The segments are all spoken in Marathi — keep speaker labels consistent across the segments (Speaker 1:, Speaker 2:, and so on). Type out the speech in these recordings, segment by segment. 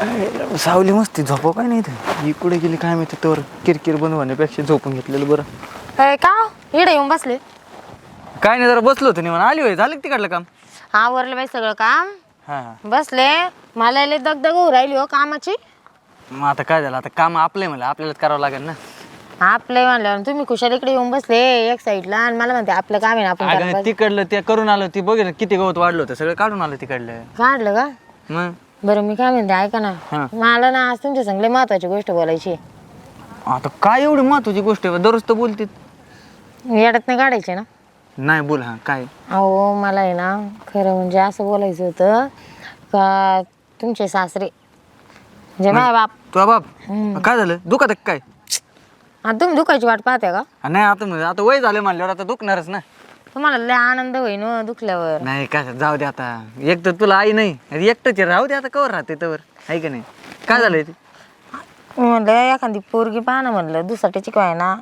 Speaker 1: सावली मस्ती झोपव काय नाही इथं. ही कुठे गेली काय माहिती. तर किरकिर बंद होण्यापेक्षा झोपून घेतलेलं बरं.
Speaker 2: का इकडे येऊन बसले?
Speaker 1: काय नाही, जरा बसलो होतो निवांत. आली होय, झालं का तिकडलं काम?
Speaker 2: आवरलं बाई सगळं काम,
Speaker 1: हा.
Speaker 2: बसले. मला लय दगदग होऊ राहिली हो कामाची.
Speaker 1: मग आता काय झालं, आता काम आपलंय मला, आपल्यालाच करावं लागेल ना.
Speaker 2: आपलं म्हणल्यावर तुम्ही खुशाल इकडे येऊन बसले एक साईडला आणि मला म्हणते आपलं काम आहे ना आपण करायला
Speaker 1: अगं
Speaker 2: पाहिजे.
Speaker 1: तिकडलं ते करून आलो, ती बघ किती गवत वाढलं होतं, सगळं काढून आलं तिकडलं.
Speaker 2: काढलं का?
Speaker 1: मग
Speaker 2: बरं मी काय म्हणते ऐका ना,
Speaker 1: हा.
Speaker 2: मला ना आज तुमच्या संग लय महत्वाची गोष्ट बोलायची.
Speaker 1: आता काय एवढी महत्वाची गोष्ट आहे, दररोज तर बोलते.
Speaker 2: येड्यात नाही काढायचे ना?
Speaker 1: नाही बोल. हा काय?
Speaker 2: अहो मला आहे ना खरं म्हणजे असं बोलायचं होतं का तुमचे सासरे म्हणजे माझ्या बाप.
Speaker 1: तुझा बाप काय झालं, दुखत आहे काय?
Speaker 2: आता तुम्ही दुखायची वाट पाहते का?
Speaker 1: नाही आता वय झालं म्हणल्यावर आता दुखणारच ना.
Speaker 2: तुम्हाला लय आनंद होईन हो दुखल्यावर.
Speaker 1: नाही काय, जाऊ दे आता. एक तर तुला आई नाही, एकटंच राहू दे आता, कवर राहते तवर आहे का नाही. काय झालंय ते?
Speaker 2: म्हणलं एखादी पोरगी पाहा ना, म्हणलं दुसऱ्याची काय ना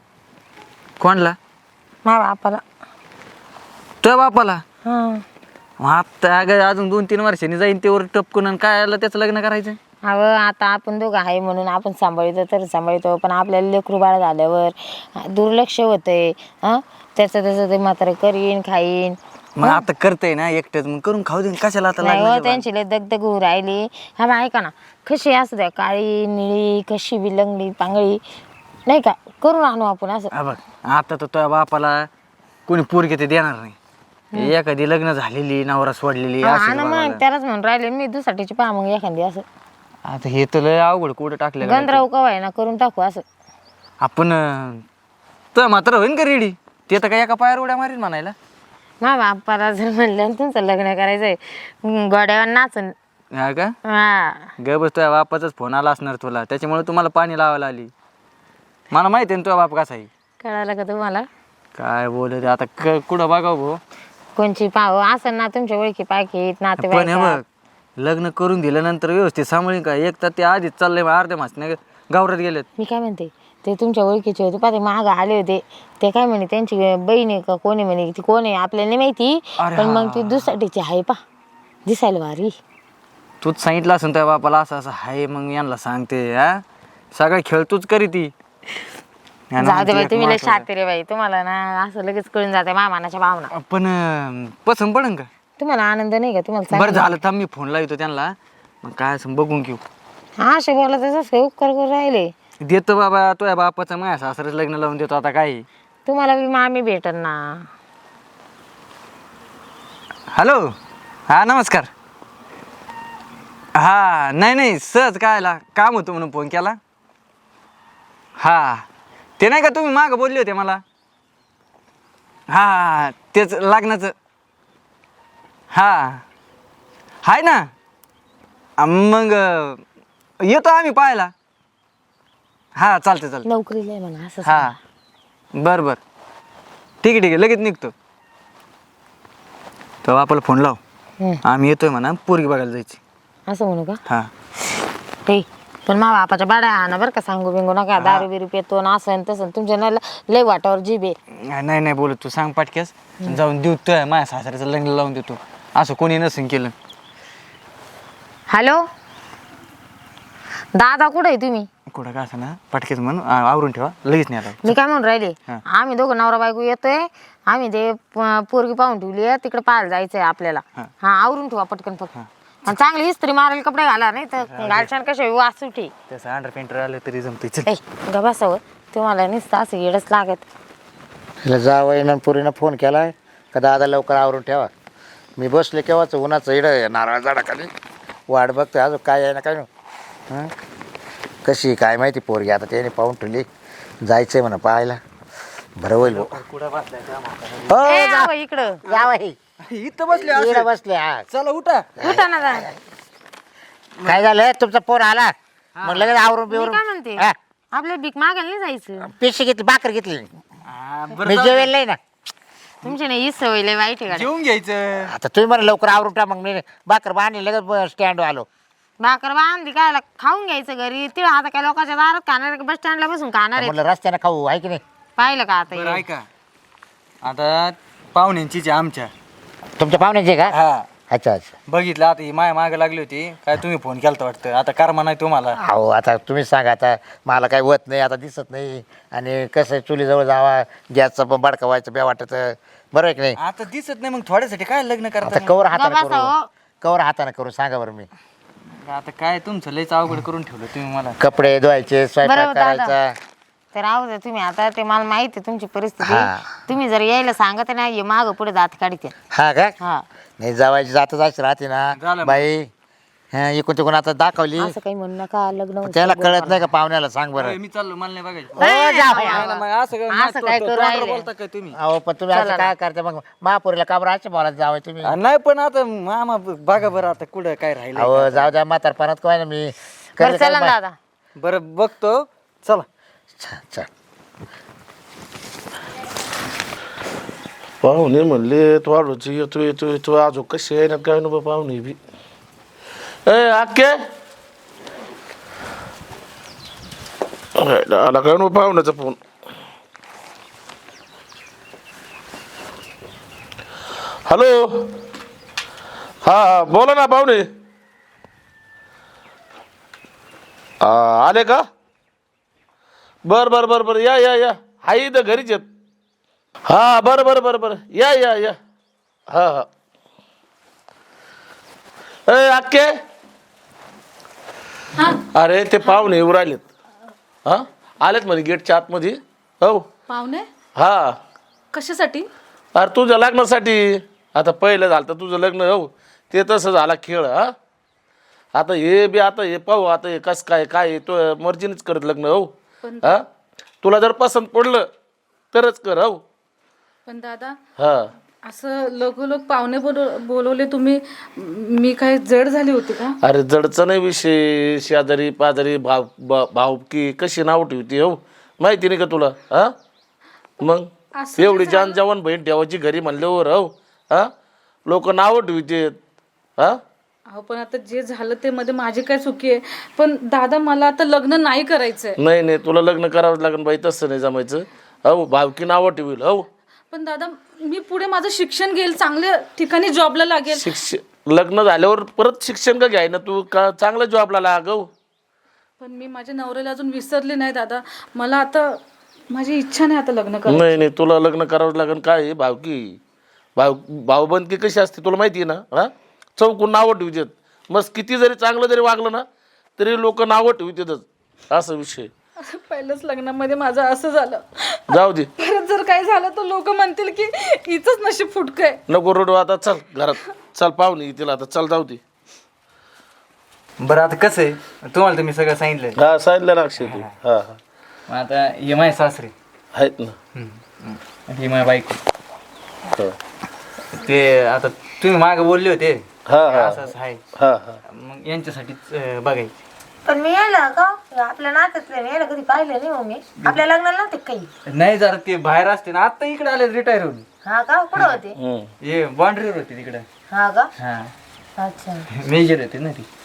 Speaker 1: कोणला?
Speaker 2: माझ्या बापाला.
Speaker 1: तुझ्या बापाला?
Speaker 2: हा.
Speaker 1: मग आता अगं अजून 2-3 वर्षांनी जाईन तेवर टपकून, आणि काय आलं त्याचं लग्न करायचं?
Speaker 2: अहो आता आपण दोघं आहे म्हणून आपण सांभाळतो तर सांभाळतो, पण आपल्याला लेकरू बाळ झाल्यावर दुर्लक्ष होतंय. हां त्याचं ते म्हातारं करीन खाईन.
Speaker 1: मग आता करतय ना एकटंच, मग करून खाऊ दे, कशाला आता
Speaker 2: नाही हो,
Speaker 1: लागलं?
Speaker 2: त्यांची लय दगदग होऊ राहिली. हा बा ऐका ना, कशी असू द्या, काळी निळी कशी बी लंगडी पांगळी नाही का, करून आणू आपण असं.
Speaker 1: हा बघ, आता तर तुझ्या बापाला कोणी पोरगी ते देणार नाही. एखादी लग्न झालेली, नवरा सोडलेली
Speaker 2: हा
Speaker 1: असेल
Speaker 2: ना,
Speaker 1: बघायला.
Speaker 2: मग त्यालाच म्हणून राहिले मी दुसऱ्याची पहा मग एखादी असं.
Speaker 1: आता हे तर लय अवघड कुठं टाकलं
Speaker 2: गंधराव कवाय ना करून टाकू असं.
Speaker 1: आपण. तुझ्या मात्र होईन का रेडी? ते तर काय एका पायावर उड्या मारीन म्हणायला.
Speaker 2: मा बापाला जर म्हणलं तुमचं लग्न करायचंय गोड्यावर नाचून.
Speaker 1: हा का?
Speaker 2: हा
Speaker 1: ग बस, तुझ्या बापाचाच फोन आला असणार तुला, त्याच्यामुळे तुम्हाला पाणी लावायला आली. मला माहिती आहे ना तुझा बाप कसा आहे.
Speaker 2: कळालं का तुम्हाला?
Speaker 1: काय बोलत आता, कुठं बघाव भाऊ.
Speaker 2: कोणची पाहू असं ना तुमच्या ओळखी पाकीत
Speaker 1: पण हे
Speaker 2: नातेवाईक.
Speaker 1: बघ, लग्न करून दिल्यानंतर व्यवस्थित सांभाळीन का? एक तर ते आधीच चाललंय अर्ध्या मासने गावरात गेलेत.
Speaker 2: मी काय म्हणते, ते तुमच्या ओळखीचे होते पाहते माग आले होते, ते काय म्हणे त्यांची बहीण आहे का कोणी म्हणे, ती कोण आहे आपल्याला नाही माहिती.
Speaker 1: अरे
Speaker 2: पण
Speaker 1: हा.
Speaker 2: मग ती दुसऱ्याची आहे पा, दिसायला भारी.
Speaker 1: तूच सांगितलं असं त्या बापाला असं असं आहे, मग यांना सांगते. हा सगळा खेळ तूच करी ती.
Speaker 2: जाऊ दे बाई, तुम्ही लय शातीर रे बाई, तुम्हाला ना असं लगेच कळून जाते मामानाच्या भावना.
Speaker 1: पण पसंत पडन का?
Speaker 2: तुम्हाला आनंद नाही का? तुम्हाला
Speaker 1: बरं झालं, थांब मी फोन लावतो त्यांना, मग काय असं बघून घेऊ.
Speaker 2: हा असे बोला तसं उपकार करून राहिले.
Speaker 1: देतो बाबा, तुझ्या बापाचं माझ्या सासऱ्याचं लग्न लावून देतो. आता काय?
Speaker 2: तुम्हाला बी मामी भेटन ना.
Speaker 1: हॅलो. हा नमस्कार. हा नाही सहज कायला काम होतं म्हणून फोन केला. हा ते नाही का तुम्ही मागं बोलले होते मला. हा तेच लग्नाचं. हा आहे ना. मग येतो आम्ही पाहायला. हा चालते.
Speaker 2: नोकरीला आहे म्हणा असं.
Speaker 1: हा बरं ठीक आहे लगेच निघतो. तर आपल्याला फोन लाव, आम्ही येतोय म्हणा, पोरगी बघायला जायची.
Speaker 2: असं म्हणू का?
Speaker 1: हा
Speaker 2: ते पण मा बापाच्या बाड्या आणा बरं का, सांगू बिंगू नका. दारू बिरू पेतो ना असं तसं, तुमच्या ना लय वाटावर जीभ आहे.
Speaker 1: नाही बोलत, तू सांग पाटक्यास जाऊन देतोय. माझ्या सासऱ्याचं लग्न लावून देतो, असं कोणी नसेल केलं.
Speaker 2: हॅलो दादा, कुठे आहे तुम्ही?
Speaker 1: कुठं का असं ना, पटकेच म्हणून आवरून ठेवा, लगेच नाही आला.
Speaker 2: मी काय म्हणून राहिले,
Speaker 1: हा.
Speaker 2: आम्ही दोघं नवरा बायको येतोय. आम्ही ते पोरगी पाहून ठेवली आहे, तिकडे पाहायला जायचंय आपल्याला. हा आवरून ठेवा पटकन फक्त. आणि चांगली इस्त्री मारेल कपडे घाला, नाही तर गालछान कशा वास सुटी.
Speaker 1: तसं अंडर पेंटर आलं तरी जमते.
Speaker 2: गबासावं तुम्हाला नुसतं असं येडच लागत.
Speaker 3: जावं पुरीनं फोन केलाय का दादा लवकर आवरून ठेवा. मी बसले केव्हाच उन्हाचं इड नारळ झाडाखाली वाट बघतोय, अजून काय आहे ना काय ना. कशी काय माहिती पोरगी, आता त्याने पाहून ठेवली, जायचंय म्हणा पाहायला. बरं होईल हो.
Speaker 2: इकडं
Speaker 3: यावं
Speaker 1: इथं बसले
Speaker 3: बसले. हा
Speaker 1: चला उठा.
Speaker 2: उठा ना जा.
Speaker 3: काय झालं, तुमचा फोन आला मग लगेच आवरून
Speaker 2: मी काय
Speaker 3: बिवरून.
Speaker 2: म्हणते,
Speaker 3: हा,
Speaker 2: आपल्या भीक मागायला नाही जायचं.
Speaker 3: पिशी घेतली, भाकर घेतली.
Speaker 1: बरं
Speaker 3: मी जेवेल नाही ना.
Speaker 2: तुमची नाही ही सवय लय वाईट आहे गाड्या.
Speaker 1: जेवून घ्यायचं.
Speaker 3: आता तुम्ही मला लवकर आवरून ठेवा, मग मी भाकर बांधली लगेच स्टँड आलो.
Speaker 2: भाकर बांधली काय खाऊन घ्यायचं घरी. तिळ आता काय लोकांच्या दारात खाणार, बस स्टँडला बसून खाणार आहे.
Speaker 3: म्हटलं रस्त्याने खाऊ आहे की नाही.
Speaker 2: पाहिलं का आता
Speaker 1: बरं
Speaker 2: हे?
Speaker 1: ऐका, आता पाहुण्यांचीच आहे आमच्या.
Speaker 3: तुमच्या पाहुण्याचे का?
Speaker 1: हा
Speaker 3: अच्छा अच्छा.
Speaker 1: बघितलं आता ही माया मागे लागली होती काय तुम्ही फोन केला वाटतं आता कर्मा नाही तुम्हाला.
Speaker 3: अहो आता तुम्ही सांगा आता मला काही होत नाही आता दिसत नाही आणि कसं चुलीजवळ जावा गॅसचं पण बडका व्हायचं बे वाटत बरं आहे की नाही.
Speaker 1: आता दिसत नाही मग थोड्यासाठी काय लग्न
Speaker 3: आता
Speaker 1: करता
Speaker 3: कवर हाताने
Speaker 2: गप्प बसा
Speaker 3: करू
Speaker 2: हो.
Speaker 3: कवर हाताने करू सांगा बरं मी.
Speaker 1: आता काय तुमचं लयच अवघड करून ठेवलं तुम्ही मला.
Speaker 3: कपडे धुवायचे स्वयंपाक
Speaker 2: बरोबर दादा.
Speaker 3: करायचा.
Speaker 2: तर राहू दे तुम्ही आता ते मला माहिती आहे तुमची परिस्थिती
Speaker 3: हा.
Speaker 2: तुम्ही जर यायला सांगत नाही माग पुढे दात काढते
Speaker 3: हा का
Speaker 2: हा
Speaker 3: नाही जावायची जातच अशी राहते
Speaker 1: झालं
Speaker 3: ना
Speaker 1: मग.
Speaker 3: बाई. हा इकून तिकून आता दाखवली
Speaker 2: असं काही म्हणू नका लग्न होतं.
Speaker 3: त्याला कळत नाही का पाहुण्याला सांग बरं.
Speaker 1: होय, मी चाललो मला नाही बघायचं.
Speaker 3: हो, जावई,
Speaker 1: नाही ना, मग असं काय-
Speaker 2: असं काय करू
Speaker 1: तोंडावर
Speaker 2: राहिले?
Speaker 1: बोलता काय तुम्ही.
Speaker 3: अहो पण तुम्ही असं काय करता मग महापुरीला काबर असे बोलायला जावं तुम्ही.
Speaker 1: नाही पण आता मामा बघा बरं आता कुठं काय राहिलं.
Speaker 3: अहो जाऊ द्या म्हातारपणात काय ना मी
Speaker 2: बरं
Speaker 3: करते
Speaker 2: चला
Speaker 3: काय
Speaker 2: ना दादा.
Speaker 1: बरं बघतो चला.
Speaker 3: छान छान.
Speaker 4: पाहुणे म्हणले तू आडोची येतो येतो येतो आजो कशी आहे ना काय नको पाहुणे बी ए आके आला काय नको पाहुण्याचा फोन. हॅलो हा बोला ना पाहुणे. आले का बर बर बर बर या या या हाय इथं घरीच येत. हा बरं बरं बरं बरं या या या हा हा ए अक्के अरे ते पाहुणे येऊ राहिलेत. हा आलेत म्हणे गेटच्या आतमध्ये. हो
Speaker 5: पाहुणे
Speaker 4: हा
Speaker 5: कशासाठी?
Speaker 4: अरे तुझ्या लग्नासाठी. आता पहिलं झालं तर तुझं लग्न हो ते तसं झाला खेळ. हा आता हे बी आता हे पाहू आता हे कसं काय काय तो मर्जीनेच करत लग्न हो. हा तुला जर पसंत पडलं तरच कर हो.
Speaker 5: पण दादा
Speaker 4: हा
Speaker 5: असं लगोलग पाहुणे बोलवले तुम्ही, मी काय जड झाली होती का?
Speaker 4: अरे जडचा नाही विषय. शेजारी पाजारी भावकी कशी नाव ठेवते हो माहिती नाही का तुला. हा मग
Speaker 5: असं
Speaker 4: एवढी जान जवान बहीण ठेवायची घरी म्हणल्यावर हो. हा लोक नावं ठेवते. हा
Speaker 5: अहो पण आता जे झालं ते मध्ये माझी काय चुकी आहे. पण दादा मला आता लग्न नाही करायचंय.
Speaker 4: नाही नाही तुला लग्न करावं लागेल बाई तसं नाही जमायचं. हो भावकी नावं ठेवील हो.
Speaker 5: पण दादा मी पुढे माझं शिक्षण घेईल, चांगल्या ठिकाणी जॉबला लागेल.
Speaker 4: शिक्षण लग्न झाल्यावर परत शिक्षण का घ्याय ना तू का चांगल्या जॉबला लाग हो.
Speaker 5: पण मी माझ्या नवऱ्याला अजून विसरले नाही दादा. मला आता माझी इच्छा नाही आता लग्न करायची.
Speaker 4: नाही नाही तुला लग्न करावं लागेल. काय आहे भावकी भाऊबंदकी कशी असते तुला माहिती आहे ना. हा चौकून नावं ठेवतात. मग किती जरी चांगलं जरी वागलं ना तरी लोक नावं ठेवतातच असा विषय.
Speaker 5: पहिलंच लग्नामध्ये माझं असं झालं.
Speaker 4: जाऊ दे
Speaker 5: परत जर काय झालं तर लोक म्हणतील की हिचंच नशीब फुटकंय.
Speaker 4: नको रडू आता चल घरात चल पाहुणे येतील आता चल जाऊ दे.
Speaker 1: बरं आता कसं आहे तुम्हाला तर मी सगळं सांगितलं.
Speaker 4: हा सांगितलं ना अक्षय तू. हा हा
Speaker 1: मग आता ये माझे सासरे
Speaker 4: आहेत ना.
Speaker 1: ही माझ्या बायको.
Speaker 4: हा
Speaker 1: ते आता तुम्ही मागे बोलले होते
Speaker 4: हा हा
Speaker 1: असं असं आहे
Speaker 4: हा हा
Speaker 1: मग यांच्यासाठीच बघायचं.
Speaker 2: पण मी यायला का आपल्या नात्यातले यायला कधी पाहिलं नाही हो मी. आपल्या लग्नाला नव्हते काही.
Speaker 1: नाही जरा ते बाहेर असते ना आता इकडे आले रिटायर होऊन.
Speaker 2: हा का कुठं होते?
Speaker 4: हम्म.
Speaker 1: हे बाउंड्रीवर होते तिकडे.
Speaker 2: हा का
Speaker 1: हा
Speaker 2: अच्छा.
Speaker 1: मेजर होते ना ती.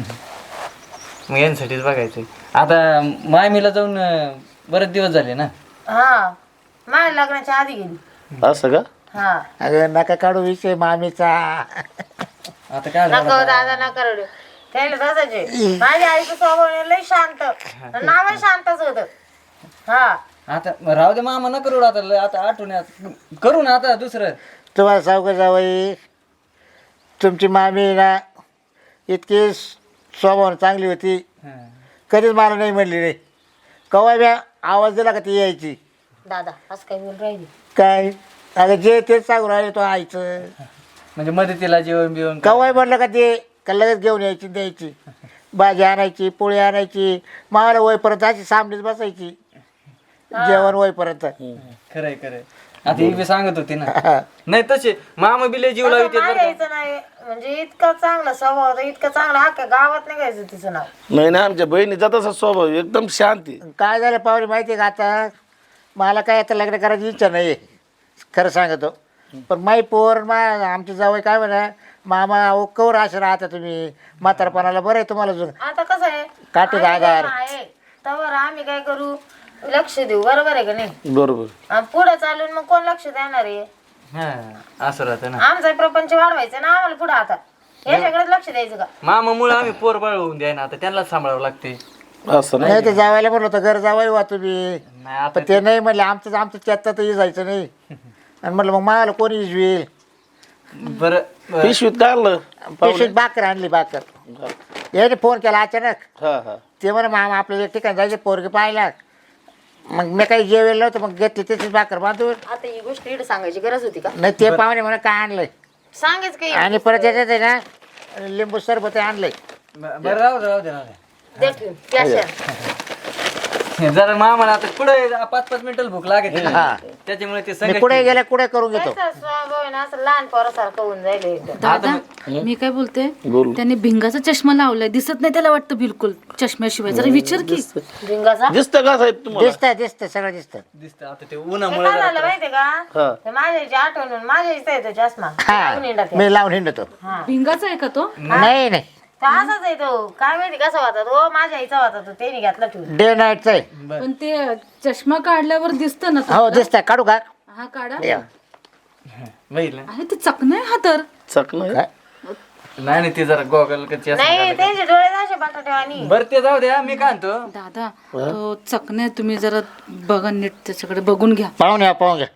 Speaker 1: मग यांसाठीच बघायचंय. आता मायमीला जाऊन बरेच दिवस झाले ना.
Speaker 2: हा माझ्या लग्नाच्या आधी गेली.
Speaker 4: असं का.
Speaker 2: हा
Speaker 3: अगं नका काढू विषय मामीचा.
Speaker 1: आता काय झालं?
Speaker 2: नका दादा नका रडू. त्याला तसंच आहे. माझ्या आईचं स्वभाव लय शांत, नाव शांतच होत. हा
Speaker 1: आता राहू दे मामा न करू आता आता आठवण करू ना आता दुसरं.
Speaker 3: तुम्हाला सावका जावई तुमची मामी ना इतकी स्वभाव चांगली होती. कधीच मला नाही म्हणली रे. कवा बी आवाज दिला का ती यायची.
Speaker 2: दादा असं काही बोल राहिली.
Speaker 3: काय अगं जे तेच सांगू राहिले तो आईचं.
Speaker 1: म्हणजे मदतीला जेवण बिवण
Speaker 3: कवाय म्हणलं का ते का लगेच घेऊन यायची द्यायची. भाजी आणायची पोळी आणायची. मावाला वयपर्यंत अशी सामनीच बसायची जेवण वयपर्यंत.
Speaker 1: खरंय खरंय. आता ही बी सांगत होती ना. नाही तसे मामा बिले जीव लावते.
Speaker 2: यायचं नाही म्हणजे इतका चांगला स्वभाव होता, इतका चांगला अख्ख्या गावात नाही घ्यायचं तिचं नाव.
Speaker 4: नाही ना आमच्या बहिणीचा तसा स्वभाव एकदम शांती.
Speaker 3: काय झालं पाहुणे माहिती आहे का आता मला काय आता लग्न करायची इच्छा नाही खरं सांगतो. पण माई पोर आमची जावई काय म्हणा मामा अहो कवर असे राहता तुम्ही म्हातारपणाला बरं आहे तुम्हाला अजून
Speaker 2: आता कसं आहे
Speaker 3: काटे आधार.
Speaker 2: तर आम्ही काय करू लक्ष देऊ बरोबर आहे का नाही.
Speaker 4: बरोबर.
Speaker 2: पुढे चालून मग कोण लक्ष देणार आहे.
Speaker 1: हा असं राहतं ना.
Speaker 2: आमचा प्रपंच वाढवायचा ना आम्हाला पुढे आता याच्याकडे लक्ष द्यायचं का?
Speaker 1: मामामुळे आम्ही पोर बाळ होऊन द्या ना, आता त्यांनाच सांभाळावं लागते.
Speaker 4: असं नाही
Speaker 3: नाही तर जावायला म्हणलं होतं घर जावाय वा तुम्ही,
Speaker 1: नाही आता
Speaker 3: पण ते नाही म्हणले आमचं त्यातही जायचं नाही. आणि म्हटलं मग मला कोणी इजवेल.
Speaker 1: बरं
Speaker 4: पिशवीत काढलं
Speaker 3: पेशंट बाकर आणली बाकर. याने फोन केला अचानक.
Speaker 4: हा हा
Speaker 3: ते म्हणा मामा आपल्याला एक ठिकाणी जायचं पोरगी पाहिला. मग मी काही जेवेल नव्हतं मग घेतली त्याचीच भाकर बांधून.
Speaker 2: आता ही गोष्ट इकडे सांगायची गरज होती का?
Speaker 3: नाही ते पाहुणे म्हणा काय आणलंय
Speaker 2: सांगायच काही
Speaker 3: आणि परत याच्यात आहे ना लिंबू सरबत आणलंय.
Speaker 1: बरं राहू दे राहू दे राहू दे.
Speaker 2: दे ठेवून. प्याशा.
Speaker 1: जरा मामाला आता पुढे 5-5 मिनिटं भूक लागेल ना.
Speaker 3: हा.
Speaker 1: त्याच्यामुळे ते
Speaker 3: मी
Speaker 1: संगत
Speaker 3: कुठे गेल्या कुठे करून घेतो.
Speaker 2: त्याचा स्वभाव आहे ना असं लहान पोरासारखं होऊन जाईल एकदम.
Speaker 5: दादा मी काय बोलते,
Speaker 4: बोल.
Speaker 5: त्याने भिंगाचा चष्मा लावलाय, दिसत नाही त्याला वाटतं बिलकुल चष्म्याशिवाय. जरा विचार की.
Speaker 2: भिंगाचा
Speaker 4: दिसतं का साहेब तुम्हाला?
Speaker 3: दिसतं सगळं दिसतं.
Speaker 1: दिसतं आता ते
Speaker 2: ते
Speaker 1: उन्हामुळे
Speaker 2: काय झालं माहितीये का?
Speaker 4: हा.
Speaker 2: ते माझ्या आईची आठवण म्हणून माझ्या आईचा येतो चष्मा.
Speaker 3: हा
Speaker 2: लावून हिंडत आहे.
Speaker 3: मी लावून हिंडतो.
Speaker 5: भिंगाचा आहे का तो?
Speaker 3: नाही नाही
Speaker 2: तो असाच आहे तो. काय माहिती कसा होता तो? माझ्या आईचा होता तो. त्याने घातला ठेवून.
Speaker 3: डे नाईटचं आहे.
Speaker 5: पण ते चष्मा काढल्यावर दिसतं ना
Speaker 3: हो
Speaker 5: तो.
Speaker 3: दिसतंय काढू का.
Speaker 5: हा काढा.
Speaker 3: या.
Speaker 1: बघितलं
Speaker 5: आहे ते चकना आहे हा तर.
Speaker 4: चक नाही
Speaker 3: काय?
Speaker 1: नाही नाही ते जरा गॉगल कच्ची
Speaker 2: नाही त्यांचे डोळे असे बटाटे आणि
Speaker 1: बरं ते जाऊ द्या, मी काय म्हणतो
Speaker 5: दादा तो चकना आहे, तुम्ही जरा बघा नीट त्याच्याकडे बघून घ्या.
Speaker 3: पाहून घ्या.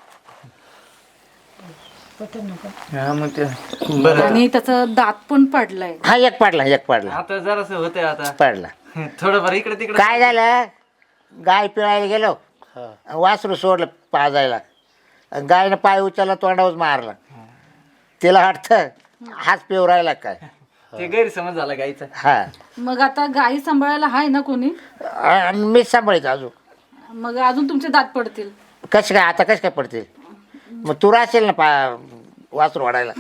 Speaker 1: हा मग ते बरं
Speaker 5: आणि त्याचा दात पण पडलाय.
Speaker 3: हा एक पाडला
Speaker 1: आता जरासं होतंय आता
Speaker 3: पाडला.
Speaker 1: थोडंफार इकडे तिकडे.
Speaker 3: काय झालं गाय पिळायला गेलो वासरू सोडलं पाजायला. गायनं पाय उचलला तोंडावर मारला. तिला वाटतं हाच पिऊ राहिला काय.
Speaker 1: ते गैरसमज झाला गाईचा.
Speaker 3: हा
Speaker 5: मग आता गाई सांभाळायला हाय ना कोणी?
Speaker 3: आणि मीच सांभाळायचं अजून.
Speaker 5: मग अजून तुमचे दात पडतील.
Speaker 3: कसं काय आता कसं काय पडते. मग तू राहशील ना वासरू वाढायला.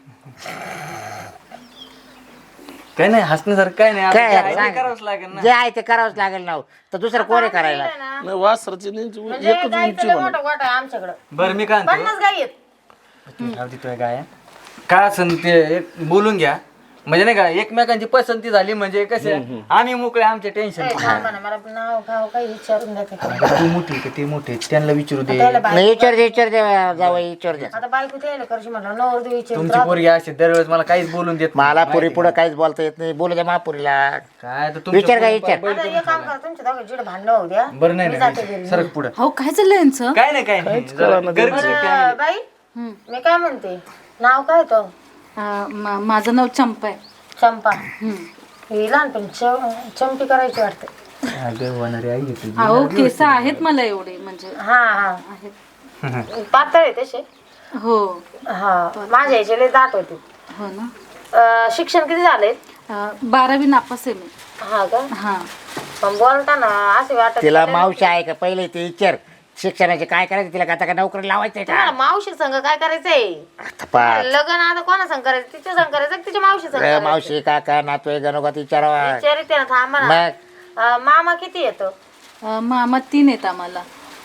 Speaker 1: काय नाही हसण्यासारखं काय नाही. आता
Speaker 3: काय
Speaker 1: जे आहे ते
Speaker 3: सांग.
Speaker 1: करावंच लागेल ना.
Speaker 3: जे आहे ते करावंच लागेल ना. तर दुसरं कोणी करायला.
Speaker 4: नाही वासराची
Speaker 2: म्हणजे गाईचं लय मोठं गोठा आहे आमच्याकडं.
Speaker 1: बरं मी काय म्हणतो
Speaker 2: 50 गाई आहेत.
Speaker 1: तू राहू दे तुझ्या गाया. काय असं ते एक बोलून घ्या म्हणजे नाही का एकमेकांची पसंती झाली म्हणजे कसे आम्ही मोकळे आमचे टेन्शन.
Speaker 2: ए, थांबा ना, मला नाव गाव काही विचारून द्या का?
Speaker 1: तू मोठी का ते मोठे त्यांना विचारू दे.
Speaker 2: त्याला बाय-
Speaker 3: नाही विचार दे जावं विचार दे.
Speaker 2: आता बायको त्याला करशी म्हटलं नवर विचारून
Speaker 1: तुमची पोरगी अशी दरवेळेस मला काहीच बोलून देत
Speaker 3: मला
Speaker 1: नाही.
Speaker 3: पुरी पुढे काहीच बोलता येत नाही. बोलू द्या महापुरीला.
Speaker 1: काय तर तुमच्या
Speaker 3: विचार का
Speaker 1: पोरी-
Speaker 3: विचार.
Speaker 2: आता एक काम करा तुमच्या दोघं जिड भांडणं होऊ द्या.
Speaker 1: बरं नाही
Speaker 2: मी जाते
Speaker 1: नाही
Speaker 2: घरी.
Speaker 1: सरक पुढं.
Speaker 5: हो काय चाललंय यांचं?
Speaker 1: काय नाही काय नाही जरा गरजेचं
Speaker 2: बरं, बाई मी काय म्हणते नाव काय तो?
Speaker 5: माझं नाव चंपा आहे.
Speaker 2: चंपा. ही लहानपणी चंपी करायची वाटते.
Speaker 1: अगं होणारी आई घेतली.
Speaker 5: अहो केस आहेत मला एवढे म्हणजे
Speaker 2: हा हा
Speaker 5: आहेत.
Speaker 2: पातळ आहे तसे.
Speaker 5: हो
Speaker 2: हा माझ्या याचे लय दाट होते.
Speaker 5: हो ना.
Speaker 2: शिक्षण किती झालंय?
Speaker 5: 12वी नापास आहे मी.
Speaker 2: हा का?
Speaker 5: हा.
Speaker 2: पण बोलताना असे वाटत
Speaker 3: तिला मावशी आहे का पहिले ते विचार. शिक्षणाचे काय करायचं तिला आता का नोकरी लावायचंय का.
Speaker 2: तुम्हाला मावशी संघ काय करायचंय?
Speaker 3: आता पाहा.
Speaker 2: लग्न आता कोणा संग करायचं? तिच्या संग करायचं का तिच्या मावशी संग करायचं?
Speaker 3: मावशी काका नातू गणोगात विचारावा.
Speaker 2: विचारिते ना थांबा ना.
Speaker 3: मग
Speaker 2: मामा किती येतो?
Speaker 5: मामा 3 आहेत आम्हाला.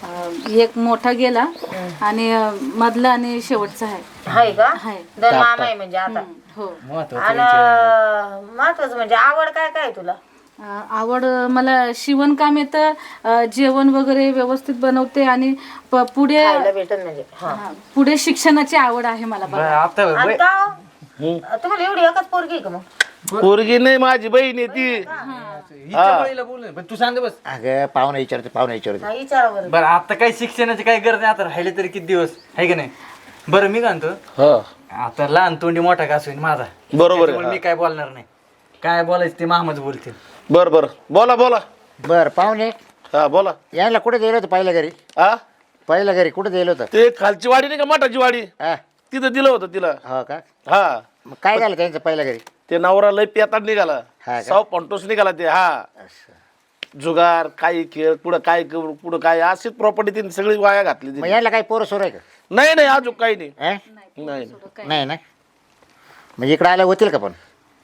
Speaker 5: एक मोठा गेला आणि मधला आणि शेवटचा आहे.
Speaker 2: हाय का?
Speaker 5: हाय.
Speaker 2: 2 मामा आहे म्हणजे आता.
Speaker 5: हो.
Speaker 2: आणि महत्वाचं म्हणजे आवड काय काय आहे तुला?
Speaker 5: आवड मला शिवणकाम येतं, जेवण वगैरे व्यवस्थित बनवते आणि पुढे
Speaker 2: खायला भेटत म्हणजे.
Speaker 5: पुढे शिक्षणाची आवड आहे मला बघा.
Speaker 1: आता
Speaker 2: आणि का हो? तुम्हाला एवढी एकच पोरगी आहे का मग?
Speaker 4: पोरगी नाही माझी बहीण आहे ती.
Speaker 1: हिच्या बळीला बोल पण तू सांग बस.
Speaker 3: अगं पाहुणे विचारते.
Speaker 2: हा, विचारा बरं.
Speaker 1: बरं आता काही शिक्षणाची काही गरज नाही. आता राहिले तरी किती दिवस आहे की नाही. बरं मी काय म्हणतो
Speaker 4: हा
Speaker 1: आता लहान तोंडी मोठा का होईन माझा.
Speaker 4: बरोबर
Speaker 1: त्याच्यामुळे
Speaker 4: आहे.
Speaker 1: मी काय बोलणार नाही. काय बोलायचं ते मामाच बोलतील.
Speaker 4: बर बर बोला
Speaker 3: बर पाहुणे
Speaker 4: हा बोला.
Speaker 3: यायला कुठे दिलं होतं पहिल्या घरी कुठे दिलं होतं.
Speaker 4: ते खालची वाडी नाही का मठाची वाडी
Speaker 3: हा
Speaker 4: तिथं दिलं होतं तिला.
Speaker 3: हो का.
Speaker 4: हा
Speaker 3: मग काय झालं त्यांचं पहिल्या घरी.
Speaker 4: ते नवरा लय पेताड निघाला.
Speaker 3: हा का?
Speaker 4: 100 पंटोस निघाला ते. हा जुगार काही खेळ पुढं काय अशीच प्रॉपर्टी तिने सगळी वाया घातली
Speaker 3: मग
Speaker 4: तिने.
Speaker 3: यायला काही पोरं सोर आहे का.
Speaker 4: नाही नाही अजून काही नाही.
Speaker 3: हा?
Speaker 4: नाही
Speaker 3: नाही ना. म्हणजे इकडे आल्या होतील का पण.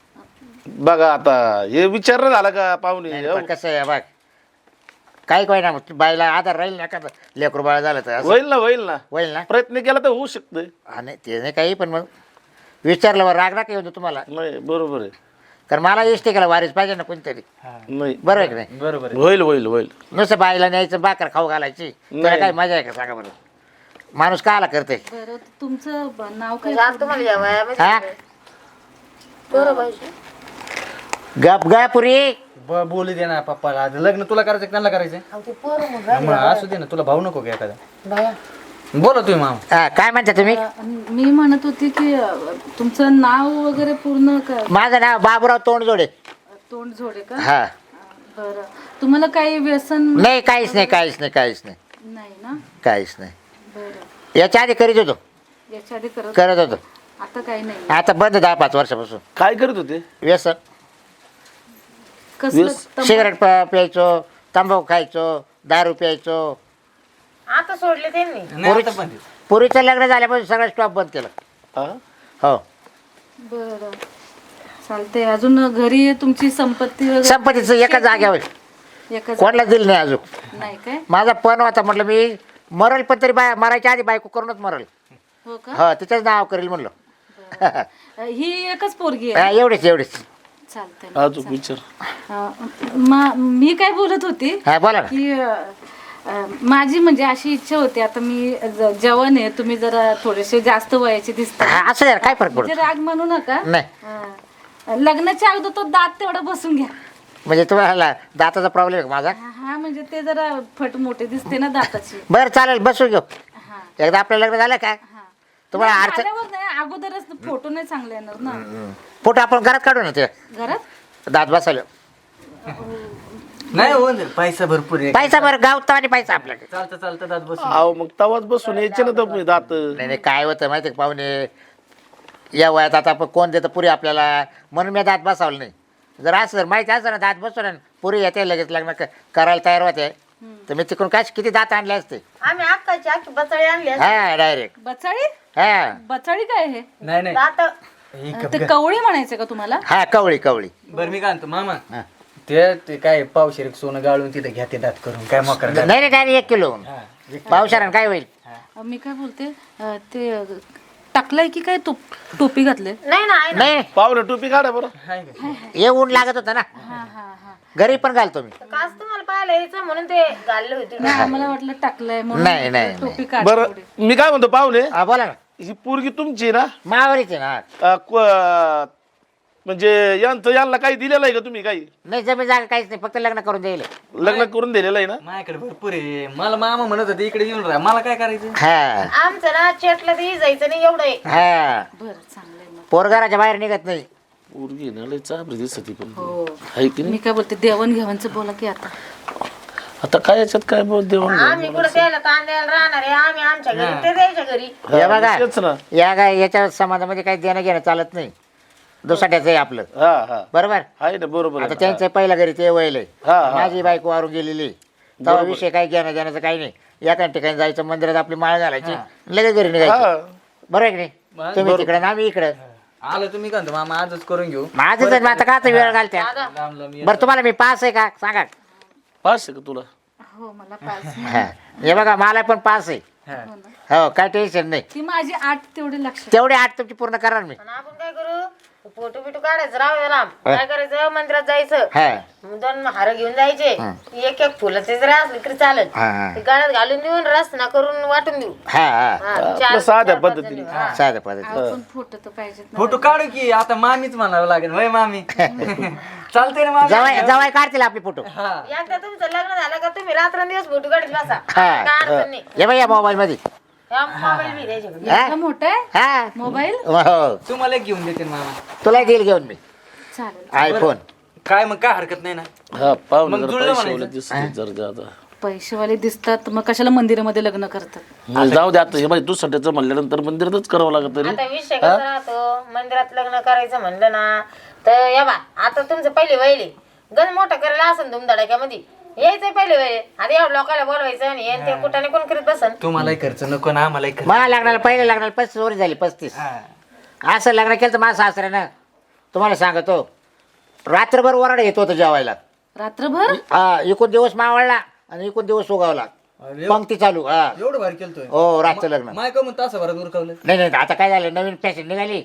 Speaker 4: बघा आता हे विचार झाला का पाहुणे.
Speaker 3: नाही, पण कसं आहे बघ काही काय ना मग बाईला आधार राहील ना का लेकरू बाळ झालं तर असं
Speaker 4: होईल ना
Speaker 3: होईल ना.
Speaker 4: प्रयत्न केला तर होऊ शकतंय.
Speaker 3: आणि ते नाही काही पण मग विचारलं राग राग येऊ तुम्हाला.
Speaker 4: नाही बरोबर आहे.
Speaker 3: कारण मला इष्ट केला वारीस पाहिजे ना कोणतरी.
Speaker 4: नाही
Speaker 3: बरोबर आहे की नाही.
Speaker 1: बरोबर आहे.
Speaker 4: होईल
Speaker 3: नुसतं बाईला न्यायचं भाकर खाऊ घालायची त्याला काय मजा आहे का सांगा बरं. माणूस काला करते
Speaker 5: बरं तुमचं नाव काय
Speaker 2: म्हणजे आज तुम्हाला या वयामध्ये
Speaker 3: हा
Speaker 2: पोरं पाहिजे.
Speaker 3: गप पुरी
Speaker 1: बोलू दे ना पप्पाला आज लग्न तुला करायचं का त्यांना करायचं
Speaker 2: अहो, ते पोरं मग
Speaker 1: मग असू दे ना तुला भाऊ नको का एखादा
Speaker 2: बाया.
Speaker 1: बोला तुम्ही मामा
Speaker 3: हा, काय म्हणता तुम्ही
Speaker 5: मी म्हणत होती की तुमचं नाव वगैरे पूर्ण
Speaker 3: माझं नाव बाबूराव तोंडजोडे
Speaker 5: तोंड जोडे का
Speaker 3: हा
Speaker 5: बरं तुम्हाला काही व्यसन
Speaker 3: नाही काहीच नाही
Speaker 5: नाही ना
Speaker 3: काहीच नाही
Speaker 5: बरं
Speaker 3: याच्या आधी करीत होतो
Speaker 5: याच्या आधी
Speaker 3: करत होतो
Speaker 5: आता काही नाही
Speaker 3: आता बंद 10-5 वर्षापासून
Speaker 4: काय करत होते
Speaker 3: व्यसन
Speaker 5: कसलं
Speaker 3: सिगरेट प्यायचो तंबाखू खायचो दारू प्यायचो
Speaker 2: आता सोडले त्यांनी.
Speaker 1: नाही आता पण
Speaker 3: पुरीचं लग्न झाल्यापासून सगळं स्टॉप बंद केलं
Speaker 4: हा?
Speaker 3: हो
Speaker 5: बरं चालतंय अजून घरी तुमची संपत्ती वगैरे
Speaker 3: संपत्तीचं एका जाग्यावर
Speaker 5: एका
Speaker 3: कोणाला दिलं नाही अजून
Speaker 5: नाही काय
Speaker 3: माझा पण होता म्हटलं मी मरल पण तरी मरायच्या आधी बायको करूनच मरल
Speaker 5: हो का
Speaker 3: हो तिच्याच नाव करेल म्हणलं
Speaker 5: ही एकच पोरगी आहे
Speaker 3: एवढेच
Speaker 5: चालतंय
Speaker 4: अजून विचार
Speaker 5: मी काय बोलत होती
Speaker 3: हा बोला ना
Speaker 5: की माझी म्हणजे अशी इच्छा होती आता मी जवान आहे तुम्ही जरा थोडेसे जास्त वयाचे दिसता
Speaker 3: हा, असं यार काय फरक
Speaker 5: म्हणजे
Speaker 3: पडतो
Speaker 5: राग म्हणू नका
Speaker 3: नाही
Speaker 5: लग्नाच्या अगोदर तो दात तेवढा बसून घ्या
Speaker 3: म्हणजे तुम्हाला दाताचा प्रॉब्लेम आहे का माझा
Speaker 5: हा म्हणजे ते जरा फट मोठे दिसते ना दाताची
Speaker 3: बरं चालेल बसू घेऊ
Speaker 5: हा
Speaker 3: एकदा आपलं लग्न झालं का
Speaker 5: हा
Speaker 3: तुम्हाला
Speaker 5: नाही,
Speaker 3: अडचण
Speaker 5: झाल्यावर नाही अगोदरच फोटो नाही चांगले येणार ना
Speaker 3: फोटो आपण घरात काढू ना ते
Speaker 5: घरात
Speaker 3: दात बसवलं
Speaker 1: नाही होऊन जाईल पैसा भरपूर आहे
Speaker 3: पैसा बरं गावता आणि पैसा आपल्याकडे
Speaker 1: चालतं चालतं दात बसून
Speaker 4: अहो मग तवाच बसून यायचे ना तुम्ही दात
Speaker 3: नाही नाही काय होतं माहिती आहे का पाहुणे या वयात आता आपण कोण देतं पुरी आपल्याला म्हणून मी दात बसवलं नाही जर असं जर माहिती असं ना दात बसवलं ना पुरी येते लगेच लग्न करायला तयार होते तर मी तिकडून काय किती दात आणले असते
Speaker 2: आम्ही अक्काची अख्खी बचळे आणली असते.
Speaker 3: हा डायरेक्ट
Speaker 5: बचाळी
Speaker 3: हा
Speaker 5: बचाळी काय हे
Speaker 1: नाही नाही
Speaker 2: दात
Speaker 1: ही गप
Speaker 5: ते
Speaker 1: गप.
Speaker 5: कवळी म्हणायचं का तुम्हाला
Speaker 3: हा कवळी
Speaker 1: बरं मी काय म्हणतो मामा
Speaker 3: हा.
Speaker 1: ते काय पावशेर सोनं गाळून तिथे घ्या ते दात करून काय मोकर
Speaker 3: नाही नाही डायरेक्ट 1 किलो पावसाळ्यानं काय होईल
Speaker 5: मी काय बोलते ते टाकलंय की काय टोपी घातले
Speaker 2: नाही ना आहे ना.
Speaker 3: नाही
Speaker 4: पाहुणे टोपी काढा बरं
Speaker 3: हे ऊन लागत होतं ना
Speaker 5: हा हा हा
Speaker 3: घरी पण घालतो मी
Speaker 2: काच तुम्हाला पाहायला यायचं म्हणून ते घालले होते.
Speaker 5: नाही आम्हाला वाटलं टाकलंय
Speaker 3: नाही,
Speaker 5: म्हणून
Speaker 3: नाही,
Speaker 5: टोपी काढ
Speaker 4: बरं मी काय म्हणतो पाहुणे
Speaker 3: हा बोला ना
Speaker 4: ही पोरगी तुमची ना
Speaker 3: मावरीच आहे ना
Speaker 4: म्हणजे यांना काही दिलेलं आहे का तुम्ही काही
Speaker 3: नाही जमीन जागा काहीच नाही फक्त लग्न करून द्यायला
Speaker 4: लग्न करून दिलेलं आहे ना
Speaker 1: माझ्याकडे भरपूर आहे मला मामा म्हणत होते इकडे येऊन राहा मला काय करायचं
Speaker 3: हा
Speaker 2: आमचं ना चेटला ते जायचं नाही एवढं आहे.
Speaker 3: हा
Speaker 5: बरं चांगलंय मग
Speaker 3: पोरगाराच्या बाहेर निघत नाही
Speaker 4: पोरगी ना लय चाबरी दिसत पण
Speaker 5: हो
Speaker 4: आहे की नाही
Speaker 5: मी काय बोलते देवण घेवायचं बोला की आता
Speaker 4: आता काय याच्यात काय बोल देऊन
Speaker 2: आम्ही कुठं त्याला कांद्याला राहणार आहे आम्ही आमच्या घरी ते द्यायच्या घरी.
Speaker 3: हे बघा
Speaker 4: तेच ना
Speaker 3: या काय याच्या समाजामध्ये काही देणं घेणं चालत नाही दुसाट्याचं आहे आपलं
Speaker 4: हा हा
Speaker 3: बरोबर
Speaker 4: आहे ना बरोबर
Speaker 3: आता
Speaker 4: आहे.
Speaker 3: त्यांचं पहिल्या घरी ते वयलंय
Speaker 4: हा, हा.
Speaker 3: माझी बायको वारून गेलेली तेव्हा विषय काही घेणं देण्याचं काही नाही एका ठिकाणी जायचं मंदिरात आपली माळ घालायची लगेच घरी निघायचं
Speaker 4: हा.
Speaker 3: बरोबर आहे की नाही तुम्ही तिकडे आणि आम्ही इकडे
Speaker 1: आलं तुम्ही काय म्हणतो मामा आजच करून घेऊ
Speaker 3: माझं तर आता काच वेळ घालत्या
Speaker 1: लांब लांब ये.
Speaker 3: बरं तुम्हाला मी पास आहे का सांगा
Speaker 4: पास आहे का तुला
Speaker 5: हो मला पाच
Speaker 3: हा. हे बघा मला पण पास आहे
Speaker 1: हा.
Speaker 3: हो काय टेन्शन नाही
Speaker 5: ती माझी 8 तेवढे लक्षात
Speaker 3: तेवढे 8 तुमची पूर्ण करणार मी
Speaker 2: आणि आपण काय करू फोटो बिटो काढायचं राहू द्या लांब. काय करायचं मंदिरात जायचं
Speaker 3: हा
Speaker 2: 2 हार घेऊन जायचे एक फुलं ते जरी असले तरी चालत
Speaker 3: हा, हा.
Speaker 2: ते गाड्यात घालून देऊन रस्ता करून वाटून देऊ.
Speaker 3: हा हा
Speaker 2: हा,
Speaker 4: आपलं साध्या पद्धतीने
Speaker 3: साध्या पद्धती
Speaker 5: आपण फोटो तर पाहिजेत ना
Speaker 1: फोटो काढू की आता मामीच म्हणावं लागेल होय मामी चालते ना मामी
Speaker 3: जवाय जवाय काढतील आपले फोटो
Speaker 1: हा
Speaker 2: एकदा तुमचं लग्न झालं का तुम्ही रात्रंदिवस फोटो काढत बसा
Speaker 3: हा.
Speaker 2: काय अडचण नाही.
Speaker 3: हे बघा या मोबाईल मध्ये
Speaker 2: या मोबाईल बी द्यायचे
Speaker 3: हा?
Speaker 5: एवढा मोठा आहे
Speaker 3: हा
Speaker 5: मोबाईल
Speaker 3: हो
Speaker 1: तुम्हाला एक घेऊन देते ना मामा
Speaker 3: तुला देईल घेऊन मी
Speaker 5: चालेल
Speaker 3: आयफोन
Speaker 1: काय मग काय हरकत नाही ना
Speaker 4: हा पाहुणे
Speaker 1: मग
Speaker 4: जरा
Speaker 1: जुळलं
Speaker 4: पैसे
Speaker 1: म्हणायचं.
Speaker 4: दिसत जर जादा
Speaker 5: पैसेवाले दिसतात मग कशाला मंदिरामध्ये लग्न करतात
Speaker 4: मग जाऊ दे आता हे बाई दुसऱ्याचं म्हणल्यानंतर मंदिरातच करावं लागत तरी
Speaker 2: आता विषय कसा राहतो मंदिरात लग्न करायचं म्हणलं ना तर या बा आता तुमचं पहिले वहिले गण मोठं करायला असेल धुमधडाक्यामध्ये यायचं पहिले वहिले आता एवढं लोकांना बोलवायचं आणि हे ते कुठाने कोण करीत बसन
Speaker 1: तुम्हालाही खर्च नको ना आम्हालाही खर्च
Speaker 3: मला लग्नाला पहिले लग्नाला 35 वर्ष झाली 35
Speaker 1: हा.
Speaker 3: असं लग्न केलं तर माझं सासऱ्यानं तुम्हाला सांगतो रात्रभर वराड येत होतं जेवायला
Speaker 5: रात्रभर
Speaker 3: हा इकून दिवस मावळला आणि इकून दिवस उगावला पंक्ती चालू हा
Speaker 1: एवढं भारी केलतोय
Speaker 3: हो रातचं लग्न
Speaker 1: माय का म्हणतो असं बरं उरकवलं
Speaker 3: नाही नाही आता काय झालं नवीन फॅशन निघाली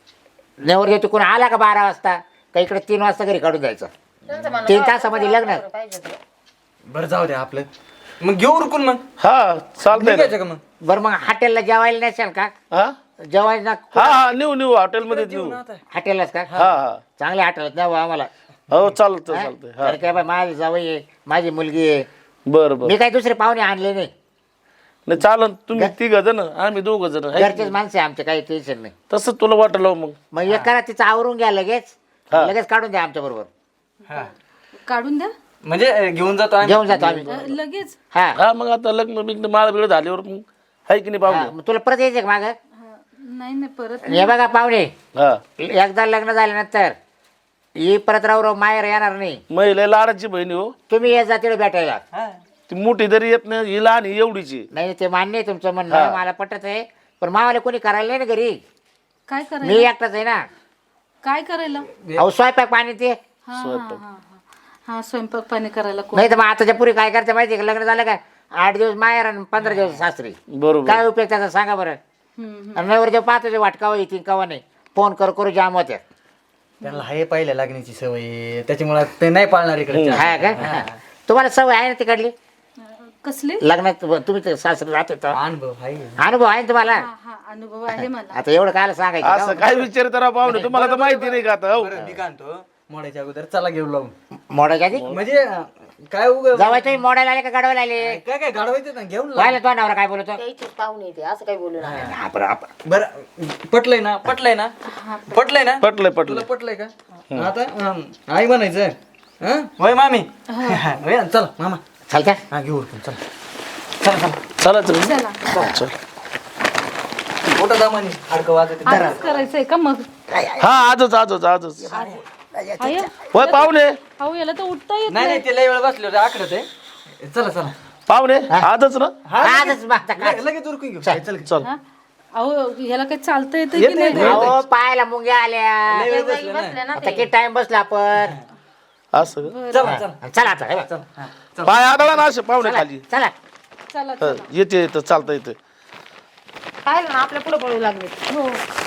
Speaker 3: नेवर येतो कोण आला का 12 वाजता का इकडे 3 वाजता घरी काढून जायचं
Speaker 2: तुमचं म्हणणं
Speaker 3: 3 तासामध्ये लग्न
Speaker 2: पाहिजे होतं.
Speaker 1: बरं जाऊ द्या आपलं मग घेऊ उरकून मग
Speaker 4: हा चालतंय
Speaker 1: निघायचं का मग
Speaker 3: बरं मग हॉटेलला जेवायला नसेल का?
Speaker 4: हा
Speaker 3: जेवायला
Speaker 4: हा हा नेऊ हॉटेलमध्ये नेऊ
Speaker 3: हॉटेललाच का?
Speaker 4: हा हा
Speaker 3: चांगल्या हॉटेलात न्यावं आम्हाला.
Speaker 4: हो चालतं चालतंय हा
Speaker 3: तर काय बाय माझी जावई आहे, माझी मुलगी आहे.
Speaker 4: बरं बरं
Speaker 3: मी काही दुसरे पाहुणे आणले नाही.
Speaker 4: नाही चालन तुम्ही 3 जण आम्ही 2 जण आहे.
Speaker 3: घरचेच माणसं आहे आमचे, काही टेन्शन नाही.
Speaker 4: तसं तुला वाटलं मग
Speaker 3: मग एक करा तिचं आवरून घ्या लगेच,
Speaker 4: हा.
Speaker 3: लगेच काढून द्या आमच्या बरोबर.
Speaker 1: हा
Speaker 5: काढून द्या
Speaker 1: म्हणजे घेऊन जातो आम्ही
Speaker 3: घेऊन जातो आम्ही.
Speaker 5: लगेच.
Speaker 3: हा
Speaker 4: हा मग आता लग्न बिग्न माळ बिळ झाल्यावर मग आहे की नाही
Speaker 3: हा,
Speaker 4: पाहुणे
Speaker 3: मग तुला परत यायचं का माग?
Speaker 5: नाही नाही परत
Speaker 3: हे बघा पाहुणे,
Speaker 4: हा
Speaker 3: एकदा लग्न झाल्यानंतर ही परत राव माहेर येणार नाही.
Speaker 4: महिला लाडाची बहिणी हो
Speaker 3: तुम्ही या जातीला भेटायला.
Speaker 1: हा.
Speaker 4: ती मोठी जरी येत नाही ही लहान ही एवढीची
Speaker 3: नाही ते मान्य आहे तुमचं म्हणणं, मला पटत आहे. पण मावाला कोणी करायला नाही ना घरी,
Speaker 5: काय
Speaker 3: मी
Speaker 5: करायला
Speaker 3: एकटाच आहे ना.
Speaker 5: काय करायला
Speaker 3: अहो स्वयंपाक पाणी ते
Speaker 5: हा हा हा हा स्वयंपाक पाणी करायला कोण
Speaker 3: नाही तर मग आताच्या पुरी काय करते माहिती आहे का? लग्न झालं का 8 दिवस माहेर आणि 15 दिवस सासरी.
Speaker 4: बरोबर
Speaker 3: काय उपयोग त्याचा सांगा बरं. आणि नवर जेव्हा पाहतो ते वाटकावं येतील कवा नाही, फोन करू जाम होत्या.
Speaker 1: त्यांना हाय पहिल्या लागण्याची सवय, त्याच्यामुळे ते नाही पाळणार इकडे
Speaker 3: हा का? तुम्हाला सवय आहे ना तिकडली
Speaker 5: कसले
Speaker 3: लग्नात? तुम्ही तर सासरी राहत होता,
Speaker 1: अनुभव हाय.
Speaker 3: अनुभव आहे ना तुम्हाला?
Speaker 5: हा हा अनुभव आहे मला
Speaker 3: आता एवढं काय सांगायचं
Speaker 4: असं
Speaker 3: का?
Speaker 4: काय विचार करा पाहुणे तुम्हाला तर माहिती नाही का आता हो
Speaker 1: बरं मी काय म्हणतो मोडायच्या अगोदर चला घेऊ लावून
Speaker 3: मोडायच्या आधी
Speaker 1: म्हणजे काय उग
Speaker 3: जावाय तुम्ही मोडायला आले का गाडवायला आले?
Speaker 1: काय काय गाडवायचं ना घेऊन लाव.
Speaker 3: पाहिलं तो नवरा काय बोलतो?
Speaker 2: त्याची पाहुणे येते असं काही बोलू नका.
Speaker 1: बरं पटलंय ना पटलंय ना
Speaker 4: पटलंय
Speaker 1: तुला पटलंय का? आता आई म्हणायचं हं? होय मामी होय, चला मामा
Speaker 3: चालत्या
Speaker 1: हा घेऊ उरकून, चला चला चला
Speaker 4: चला
Speaker 5: चला
Speaker 4: चल
Speaker 1: मोठं दामानी हाडकं वाजत
Speaker 5: आजच करायचंय का मग
Speaker 4: हा आजच
Speaker 5: आय
Speaker 4: होय पाहुणे
Speaker 5: अहो याला तर उठता येत
Speaker 1: नाही नाही ते लय वेळ बसले होते आखडत आहे. चला चला
Speaker 4: पाहुणे आजच ना
Speaker 3: आजच मागता काय?
Speaker 1: लगेच उरकून घेऊ चल
Speaker 4: चल
Speaker 5: हा? अहो याला काही चालता येतं की नाही
Speaker 3: अहो पायाला मुंग्या आल्या.
Speaker 1: लय वेळ बसले ना.
Speaker 2: बसले ना
Speaker 3: आता किती टाइम बसला आपण.
Speaker 4: असं का?
Speaker 1: चला चला
Speaker 3: चला आता हे बघ.
Speaker 4: पाय आदळा ना असे पाहुणे खाली
Speaker 3: चला
Speaker 5: चला
Speaker 4: येते येतं चालतं येतं
Speaker 2: पाहिलं ना आपल्या पुढे पळू लागले
Speaker 5: हो